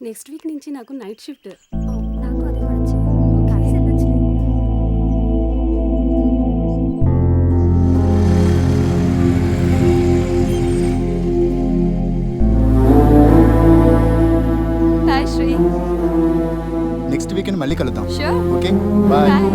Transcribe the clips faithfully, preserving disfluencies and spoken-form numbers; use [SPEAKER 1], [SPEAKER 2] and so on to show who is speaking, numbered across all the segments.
[SPEAKER 1] Next week నుంచి నాకు night shift.
[SPEAKER 2] నాకు అదే పడచ్చు. కలిసి వెళ్ళొచ్చులే.
[SPEAKER 3] హాయ్ శ్రీ.
[SPEAKER 4] నెక్స్ట్ వీకెండ్ మళ్ళీ కలుద్దాం.
[SPEAKER 3] షూర్.
[SPEAKER 4] Okay bye.
[SPEAKER 3] బాయ్.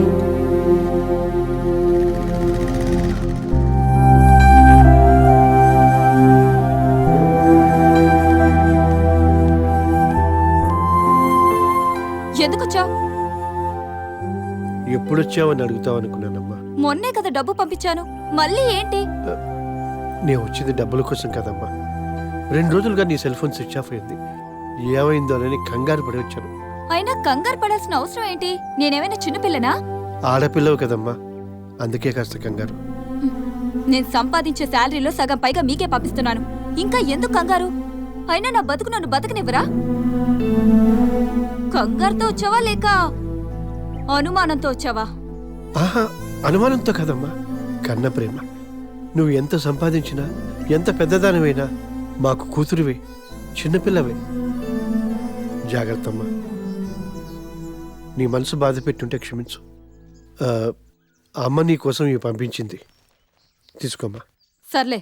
[SPEAKER 3] ఎందుకు వచ్చావు?
[SPEAKER 5] ఎప్పుడు వచ్చావని అడుగుతావు అనుకున్నానమ్మా.
[SPEAKER 3] మొన్నే కదా డబ్బు పంపించాను, మళ్ళీ ఏంటి?
[SPEAKER 5] నేను వచ్చింది డబ్బుల కోసం కదమ్మా. రెండు రోజులుగా నీ సెల్ ఫోన్ స్విచ్ ఆఫ్ అయింది. ఏమైందో అని కంగారు పడి వచ్చాను.
[SPEAKER 3] అయినా కంగారు పడాల్సిన అవసరం ఏంటి? నేనేమైనా చిన్నపిల్లనా?
[SPEAKER 5] ఆడపిల్లవు కదమ్మా, అందుకే కాస్త కంగారు.
[SPEAKER 3] నేను సంపాదించే శాలరీలో సగం పైగా మీకే పంపిస్తున్నాను, ఇంకా ఎందుకు కంగారు? అయినా నా బతుకు నన్ను బతకనివ్వరా? కంగారుతో వచ్చావా లేక అనుమానంతో వచ్చావా?
[SPEAKER 5] ఆహా, అనుమానంతో కదమ్మా, కన్న ప్రేమ. నువ్వు ఎంత సంపాదించినా, ఎంత పెద్దదానివైనా మాకు కూతురువే, చిన్నపిల్లవే. జాగ్రత్తమ్మా. నీ మనసు బాధ పెట్టుంటే క్షమించు. ఆ, అమ్మ నీ కోసం ఇవి పంపించింది, తీసుకోమ్మా.
[SPEAKER 3] సర్లే.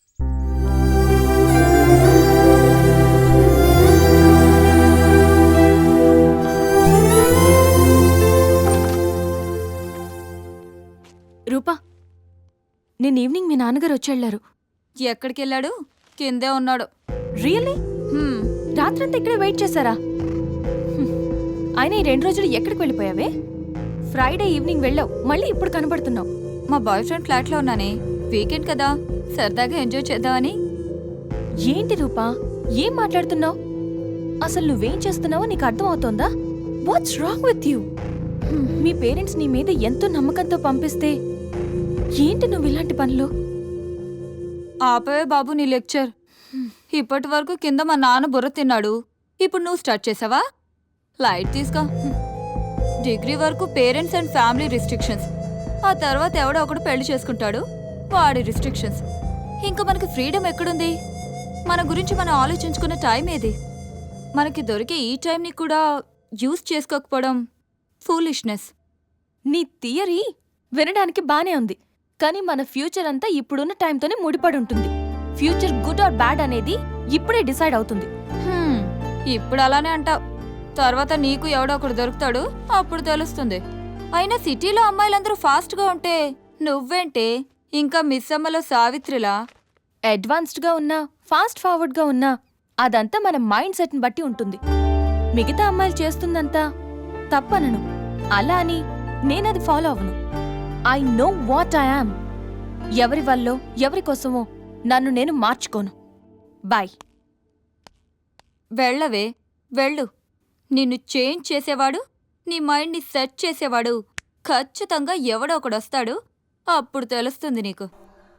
[SPEAKER 2] రూపా, నేను ఈవినింగ్ మీ నాన్నగారు వచ్చేళ్లారు.
[SPEAKER 3] ఎక్కడికి వెళ్ళాడు? కిందే ఉన్నాడు.
[SPEAKER 2] రియల్లీ?
[SPEAKER 3] హ్మ్.
[SPEAKER 2] రాత్రంతా ఇక్కడే వెయిట్ చేశారా? హ్మ్. ఆయన ఈ రెండు రోజులు ఎక్కడికి వెళ్ళిపోయావే? ఫ్రైడే ఈవినింగ్ వెళ్ళావు, మళ్ళీ ఇప్పుడు కనబడుతున్నావు.
[SPEAKER 3] మా బాయ్ ఫ్రెండ్ ఫ్లాట్లో ఉన్నానే, వీకెండ్ కదా, సరదాగా ఎంజాయ్ చేద్దామని.
[SPEAKER 2] ఏంటి రూపా, ఏం మాట్లాడుతున్నావు? అసలు నువ్వేం చేస్తున్నావో నీకు అర్థం అవుతోందా? What's wrong with you? మీ పేరెంట్స్ నీ మీద ఎంతో నమ్మకంతో పంపిస్తే ఏంటి నువ్వు ఇలాంటి పనులు?
[SPEAKER 3] ఆపవే బాబు నీ లెక్చర్. ఇప్పటి వరకు కింద మా నాన్న బుర్ర తిన్నాడు, ఇప్పుడు నువ్వు స్టార్ట్ చేసావా? లైట్ తీసుకో. డిగ్రీ వరకు పేరెంట్స్ అండ్ ఫ్యామిలీ రిస్ట్రిక్షన్స్, ఆ తర్వాత ఎవడో ఒకడు పెళ్లి చేసుకుంటాడు, వాడి రిస్ట్రిక్షన్స్. ఇంకా మనకి ఫ్రీడమ్ ఎక్కడుంది? మన గురించి మనం ఆలోచించుకున్న టైం ఏది? మనకి దొరికే ఈ టైంని కూడా యూజ్ చేసుకోకపోవడం ఫూలిష్నెస్.
[SPEAKER 2] నీ థియరీ వినడానికి బానే ఉంది, కానీ మన ఫ్యూచర్ అంతా ఇప్పుడున్న టైంతోనే ముడిపడి ఉంటుంది. ఫ్యూచర్ గుడ్ ఆర్ బ్యాడ్ అనేది ఇప్పుడే డిసైడ్ అవుతుంది.
[SPEAKER 3] హ్మ్, ఇప్పుడు అలానే అంటావు, తర్వాత నీకు ఎవడో ఒకడు దొరుకుతాడు, అప్పుడు తెలుస్తుంది. అయినా సిటీలో అమ్మాయిలందరూ ఫాస్ట్గా ఉంటే నువ్వేంటే ఇంకా మిస్ అమ్మలో సావిత్రిలా
[SPEAKER 2] అడ్వాన్స్డ్గా ఉన్నా, ఫాస్ట్ ఫార్వర్డ్గా ఉన్నా అదంతా మన మైండ్ సెట్ని బట్టి ఉంటుంది. మిగతా అమ్మాయిలు చేస్తుందంతా తప్పనను, అలా అని నేనది ఫాలో అవ్వను. I know what I am. ఎవరి వల్లో ఎవరి కోసమో నన్ను నేను మార్చుకోను. బాయ్.
[SPEAKER 3] వెళ్ళవే, వెళ్ళు. నిన్ను చేంజ్ చేసేవాడు, నీ మైండ్ని సెట్ చేసేవాడు ఖచ్చితంగా ఎవడో ఒకడు వస్తాడు, అప్పుడు తెలుస్తుంది నీకు.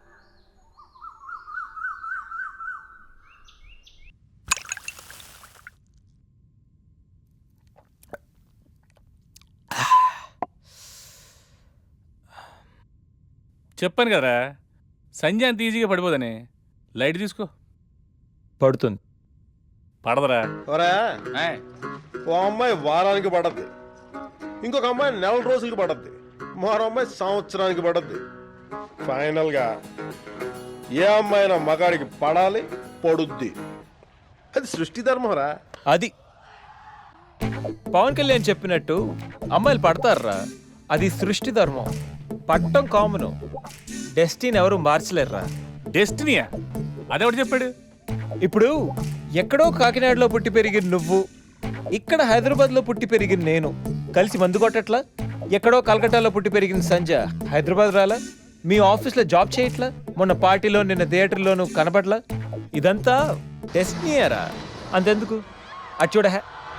[SPEAKER 6] చెప్పాను కదరా, సంజయ్ అంత ఈజీగా పడిపోదని. లైట్ తీసుకో.
[SPEAKER 7] పడుతుంది.
[SPEAKER 6] పడదరా?
[SPEAKER 8] ఏయ్, ఓ అమ్మాయి వారానికి పడద్ది, ఇంకొక అమ్మాయి నెల రోజులకి పడద్ది, మరో అమ్మాయి సంవత్సరానికి పడద్ది. ఫైనల్ గా ఏ అమ్మాయినా మగాడికి పడాలి, పడుద్ది. అది సృష్టి ధర్మరా.
[SPEAKER 7] అది పవన్ కళ్యాణ్ చెప్పినట్టు అమ్మాయిలు పడతారా, అది సృష్టి ధర్మం. పట్టం కామను, డెస్టినీ ఎవరు మార్చలేరురా.
[SPEAKER 6] డెస్టినీయా? అదెవడు చెప్పాడు?
[SPEAKER 7] ఇప్పుడు ఎక్కడో కాకినాడలో పుట్టి పెరిగిన నువ్వు, ఇక్కడ హైదరాబాద్లో పుట్టి పెరిగిన నేను కలిసి మందు కొట్టట్లా? ఎక్కడో కలకట్టాలో పుట్టి పెరిగిన సంజ హైదరాబాద్ రాలా? మీ ఆఫీస్లో జాబ్ చేయట్లా? మొన్న పార్టీలో నిన్న థియేటర్లోనూ కనబడలా? ఇదంతా డెస్టినీయరా. అంతెందుకు, అది చూడ.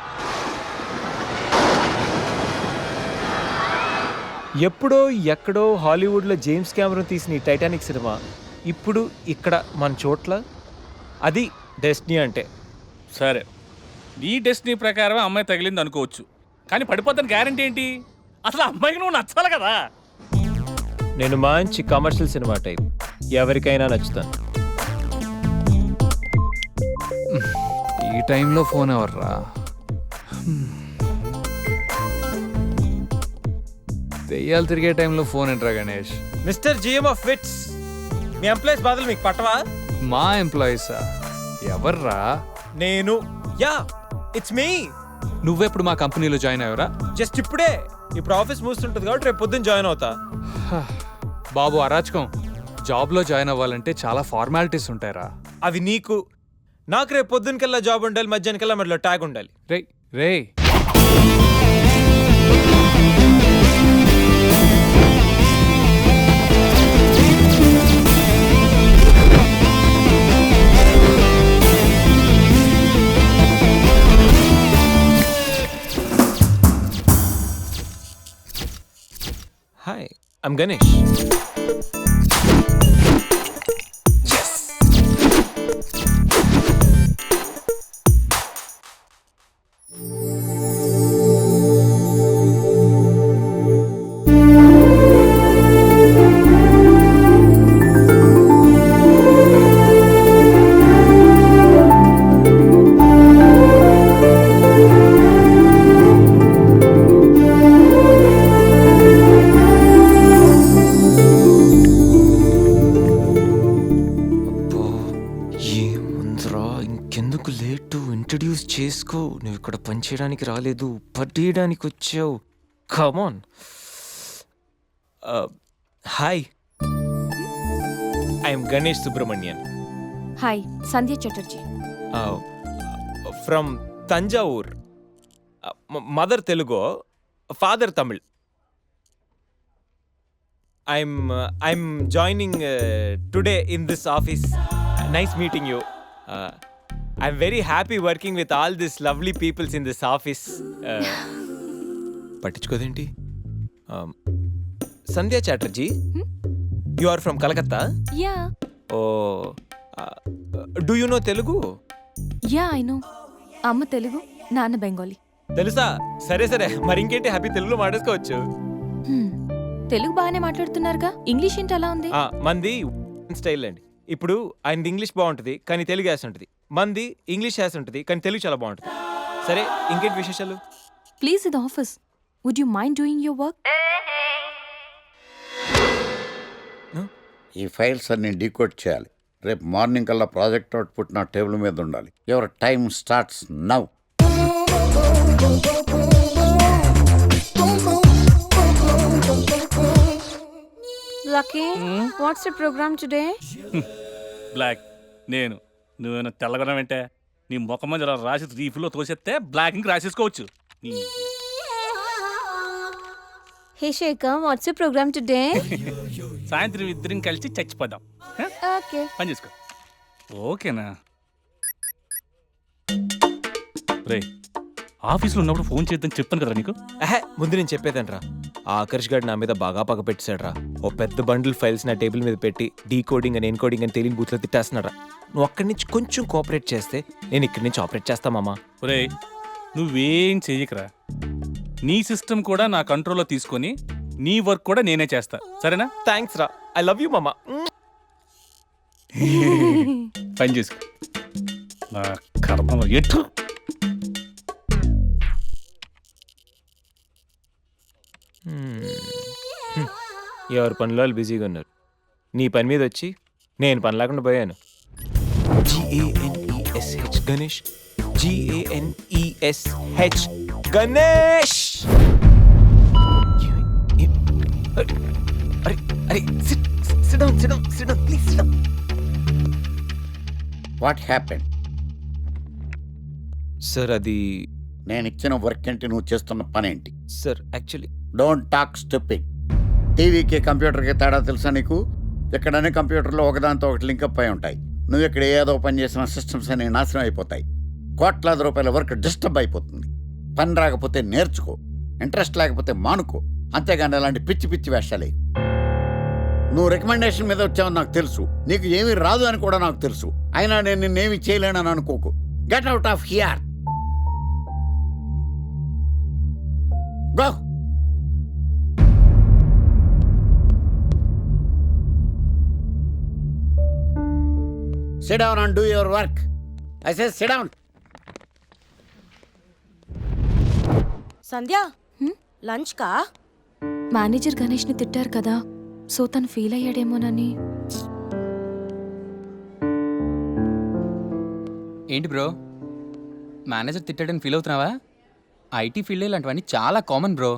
[SPEAKER 7] ఎప్పుడో ఎక్కడో హాలీవుడ్లో జేమ్స్ కెమెరాన్ తీసిన ఈ టైటానిక్ సినిమా ఇప్పుడు ఇక్కడ మన చోట్ల, అది డెస్టినీ అంటే.
[SPEAKER 6] సరే, నీ డెస్టినీ ప్రకారం అమ్మాయి తగిలింది అనుకోవచ్చు, కానీ పడిపోతాను గ్యారంటీ ఏంటి? అసలు అమ్మాయికి నువ్వు నచ్చాలి కదా.
[SPEAKER 7] నేను మంచి కమర్షియల్ సినిమా టైప్, ఎవరికైనా నచ్చుతాను.
[SPEAKER 9] ఈ టైంలో ఫోన్ ఎవర్రా? దెయ్యాలు తిరిగే టైంలో ఫోన్ ఏంట్రా Ganesh?
[SPEAKER 7] Mister GM of Wits, మీ ఎంప్లాయీస్ బాధలు మీకు పట్టవా?
[SPEAKER 9] మా ఎంప్లాయీసా? ఎవర్రా?
[SPEAKER 7] నేను. Yeah, it's me.
[SPEAKER 9] నువ్వెప్పుడు మా కంపెనీలో జాయిన్ అయ్యావురా?
[SPEAKER 7] జస్ట్ ఇప్పుడే. ఇప్పుడు ఆఫీస్ మూస్తుంటుంది కాబట్టి రేపు పొద్దున్న జాయిన్ అవుతా.
[SPEAKER 9] బాబు అరాచకం. జాబ్లో జాయిన్ అవ్వాలంటే చాలా ఫార్మాలిటీస్ ఉంటాయిరా.
[SPEAKER 7] అవి నీకు. నాకు రేపు పొద్దునకల్లా జాబ్ ఉండాలి, మధ్యాహ్నకల్లా మధ్యలో ట్యాగ్ ఉండాలి.
[SPEAKER 9] రేయ్ రేయ్
[SPEAKER 7] హాయ్, ఐమ్ గణేష్. ఇంకెందుకు లేటు? ఇంట్రడ్యూస్ చేసుకో. నువ్వు ఇక్కడ పనిచేయడానికి రాలేదు, పట్టేయడానికి వచ్చావు. Come on. Hi, I'm Ganesh Subrahmanyan
[SPEAKER 2] hi, Sandhya Chatterjee.
[SPEAKER 7] From Thanjavur. Mother Telugu, father Tamil. I'm I'm joining today in this office. Nice meeting you. I'm very happy working with all these lovely peoples in this office. పట్టించుకోదేంటి? Sandhya Chatterjee, you are from Calcutta?
[SPEAKER 2] Yeah.
[SPEAKER 7] Oh, do you know Telugu?
[SPEAKER 2] Yeah, I know. అమ్మ తెలుగు, నాన్న బెంగాలీ.
[SPEAKER 7] తెలుసా? సరే సరే, మరి ఇంకేంటి, happy తెలుగులో మాట్లాడుకోవచ్చు.
[SPEAKER 2] హ్మ్. తెలుగు బాగానే మాట్లాడుతున్నారుగా, ఇంగ్లీష్ ఏంటి అలా ఉంది?
[SPEAKER 7] ఆ, మంది స్టైల్ అండి. ఇప్పుడు ఆయనది ఇంగ్లీష్ బాగుంటుంది కానీ తెలుగు యాస ఉంటుంది. మంది ఇంగ్లీష్ యాస ఉంటుంది కానీ తెలుగు చాలా బాగుంటుంది. సరే, ఇంకేంటి విశేషాలు?
[SPEAKER 2] ప్లీజ్, ఇది office. Would you mind doing your work?
[SPEAKER 10] ఈ ఫైల్స్ అన్ని డీకోడ్ చేయాలి. రేపు మార్నింగ్ కల్లా ప్రాజెక్ట్ అవుట్పుట్ నా టేబుల్ మీద ఉండాలి. Your time starts now.
[SPEAKER 1] Lucky, what's the program today?
[SPEAKER 6] బ్లాక్. నేను నువ్వేనా తెల్లగొనం ఏంటే? నీ ముఖం మీద ఇలా రాసి రీఫ్లో తోసేస్తే బ్లాక్ ఇంక్ రాసేసుకోవచ్చు. నీ-
[SPEAKER 1] Hey Shekhar, what's the program today?
[SPEAKER 6] సాయంత్రం ఇద్దరం కలిసి చచ్చిపోదాం. హ?
[SPEAKER 1] Okay.
[SPEAKER 6] పని చేసుకో. ఓకేనా? రే, ఆఫీస్లో ఉన్నప్పుడు ఫోన్ చేద్దాం చెప్తాను కదా నీకు.
[SPEAKER 7] ఆహే, ముందు నేను చెప్పేదంట్రా. ఆ ఆకర్ష్ గారు నా మీద బాగా పగ పెట్టాడురా. ఓ పెద్ద బండిల్ ఫైల్స్ నా టేబుల్ మీద పెట్టి డీ కోడింగ్ అని ఎన్కోడింగ్ అని తెలియని బూత్లో తిట్టేస్తున్నారా. నువ్వు అక్కడి నుంచి కొంచెం కోఆపరేట్ చేస్తే నేను ఇక్కడి నుంచి ఆపరేట్ చేస్తా మామా.
[SPEAKER 6] ఒరే, నువ్వేం చెయ్యకరా. నీ సిస్టమ్ కూడా నా కంట్రోల్లో తీసుకొని నీ వర్క్ కూడా నేనే చేస్తా, సరేనా?
[SPEAKER 7] థ్యాంక్స్ రా, ఐ లవ్ యూ మామా.
[SPEAKER 6] పని చేసుకో. నా కర్మ ఎటు.
[SPEAKER 7] ఎవరి పనిలో వాళ్ళు బిజీగా ఉన్నారు. నీ పని మీద వచ్చి నేను పని లేకుండా పోయాను. జిఏఎన్ఈఎస్హెచ్ గణేష్. జిఏఎన్ఈఎస్హెచ్ గణేష్. అరే అరే, sit sit down sit down sit down please sit down.
[SPEAKER 10] What happen?
[SPEAKER 7] Sir అది
[SPEAKER 10] నేను ఇచ్చిన వర్క్ ఏంటి, నువ్వు చేస్తున్న పని ఏంటి?
[SPEAKER 7] Sir actually
[SPEAKER 10] don't talk stupid. టీవీకి కంప్యూటర్కి తేడా తెలుసా నీకు? ఎక్కడనే కంప్యూటర్లో ఒకదాంతో ఒకటి లింకప్ అయి ఉంటాయి. నువ్వు ఇక్కడ ఏదో పని చేసిన సిస్టమ్స్ అన్ని నాశనం అయిపోతాయి. కోట్లాది రూపాయల వర్క్ డిస్టర్బ్ అయిపోతుంది. పని రాకపోతే నేర్చుకో, ఇంట్రెస్ట్ లేకపోతే మానుకో. అంతేగాని అలాంటి పిచ్చి పిచ్చి వేషాలే. నువ్వు రికమెండేషన్ మీద వచ్చావని నాకు తెలుసు, నీకు ఏమీ రాదు అని కూడా నాకు తెలుసు. అయినా నేను నిన్నేమి చేయలేనని అనుకోకు. Get out of here. Go. Sit down and do your work. I say sit down.
[SPEAKER 11] Sandhya
[SPEAKER 2] హ్మ్?
[SPEAKER 11] లంచ్ కా
[SPEAKER 2] మేనేజర్ గణేష్ని తిట్టారు కదా సో తను ఫీల్ అయ్యాడేమోనని.
[SPEAKER 12] ఏంటి బ్రో మేనేజర్ తిట్టాడని ఫీల్ అవుతున్నావా? ఐటీ ఫీల్డ్ ఇలాంటివన్నీ చాలా కామన్ బ్రో.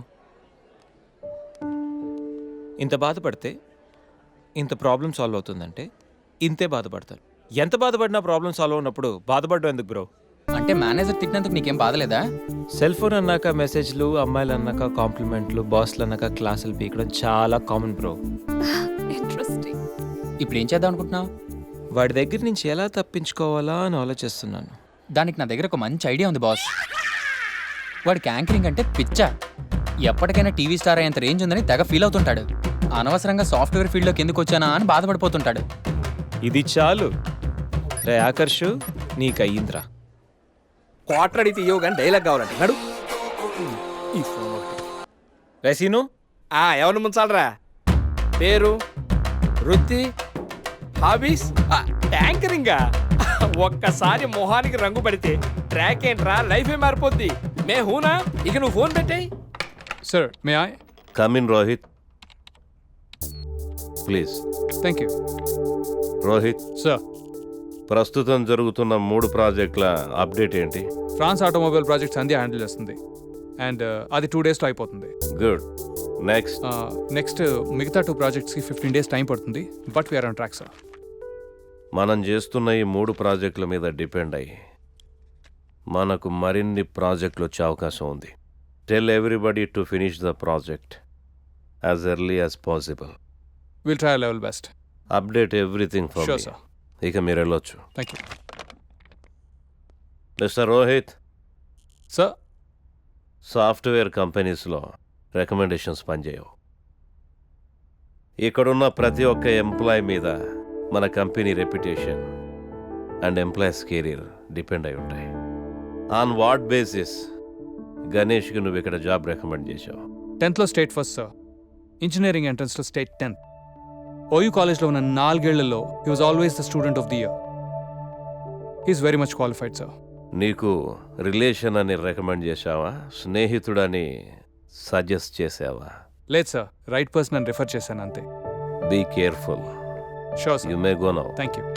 [SPEAKER 7] ఇంత బాధపడితే ఇంత ప్రాబ్లం సాల్వ్ అవుతుందంటే ఇంతే బాధపడతారు. ఎంత బాధపడినా ప్రాబ్లం సాల్వ్ అవునప్పుడు బాధపడడం ఎందుకు బ్రో?
[SPEAKER 12] అంటే మేనేజర్ తిట్టినందుకు నీకేం బాధలేదా?
[SPEAKER 7] సెల్ ఫోన్ అన్నాక మెసేజ్లు, అమ్మాయిలు అన్నాక కాంప్లిమెంట్లు, బాస్లు అన్నాక క్లాసులు పీకడం చాలా కామన్ బ్రో.
[SPEAKER 2] ఇంట్రెస్టింగ్.
[SPEAKER 12] ఇప్పుడు ఏం చేద్దాం అనుకుంటున్నావు?
[SPEAKER 7] వాడి దగ్గర నుంచి ఎలా తప్పించుకోవాలా అని ఆలోచిస్తున్నాను.
[SPEAKER 12] దానికి నా దగ్గర ఒక మంచి ఐడియా ఉంది బాస్. వాడికి యాంకరింగ్ అంటే పిచ్చా. ఎప్పటికైనా టీవీ స్టార్ అయ్యేంత రేంజ్ ఉందని తెగ ఫీల్ అవుతుంటాడు. అనవసరంగా సాఫ్ట్వేర్ ఫీల్డ్లోకి ఎందుకు వచ్చానా అని బాధపడిపోతుంటాడు.
[SPEAKER 7] ఇది చాలు రే ఆకర్షు, నీకు అయ్యిందిరా.
[SPEAKER 13] క్వార్టర్ అడిగితే ఇవ్వవు కానీ డైలాగ్ కావాలంటే నడు. ఈ ఫోన్
[SPEAKER 7] రేసీను
[SPEAKER 13] ఆ ఎవరిని ముంచాలరా? పేరు, వృత్తి, హాబీస్, యాంకరింగా. ఒక్కసారి మొహానికి రంగు పడితే ట్రాక్ ఏంట్రా, లైఫే మారిపోద్ది. మే హూనా, ఇక నువ్వు ఫోన్ పెట్టాయి.
[SPEAKER 9] Sir may I
[SPEAKER 8] come in Rohit please.
[SPEAKER 9] Thank you
[SPEAKER 8] Rohit,
[SPEAKER 9] sir.
[SPEAKER 8] ప్రస్తుతం జరుగుతున్న మూడు ప్రాజెక్టుల అప్డేట్ ఏంటి?
[SPEAKER 9] France automobile project Sandhya handle చేస్తుంది అండ్ అది టూ డేస్లో అయిపోతుంది.
[SPEAKER 8] గుడ్. నెక్స్ట్
[SPEAKER 9] నెక్స్ట్ మిగతా టూ ప్రాజెక్ట్స్కి ఫిఫ్టీన్ డేస్ టైం పడుతుంది. But we are on track sir.
[SPEAKER 8] మనం చేస్తున్న ఈ మూడు ప్రాజెక్టుల మీద డిపెండ్ అయ్యి మనకు మరిన్ని ప్రాజెక్టులు వచ్చే అవకాశం ఉంది. Tell everybody to finish the project as early as possible.
[SPEAKER 9] Will try level best.
[SPEAKER 8] Update everything for
[SPEAKER 9] Sure,
[SPEAKER 8] me.
[SPEAKER 9] sir.
[SPEAKER 8] ఇక మీరు వెళ్ళొచ్చు.
[SPEAKER 9] Thank you
[SPEAKER 8] mister Rohit,
[SPEAKER 9] sir.
[SPEAKER 8] Software కంపెనీస్లో రికమెండేషన్స్ పనిచేయవు. ఇక్కడున్న ప్రతి ఒక్క ఎంప్లాయ్ మీద మన company reputation and employees career depend అయి ఉంటాయి. ఆన్ వాట్ బేసిస్ గణేష్కి నువ్వు ఇక్కడ జాబ్ రికమెండ్ చేశావు?
[SPEAKER 9] టెన్త్లో స్టేట్ ఫస్ట్ సార్. ఇంజనీరింగ్ ఎంట్రన్స్లో స్టేట్ టెన్త్. ఓయూ కాలేజ్లో ఉన్న నాలుగేళ్లలో he was always the student of the year. He is very much qualified sir.
[SPEAKER 8] నీకు రిలేషన్ అని రికమెండ్ చేశావా, స్నేహితుడని సజెస్ట్ చేసావా?
[SPEAKER 9] లేదు సార్, రైట్ పర్సన్ అని రిఫర్ చేశాను అంతే.
[SPEAKER 8] Be careful.
[SPEAKER 9] Sure sir.
[SPEAKER 8] You may go now.
[SPEAKER 9] Thank you.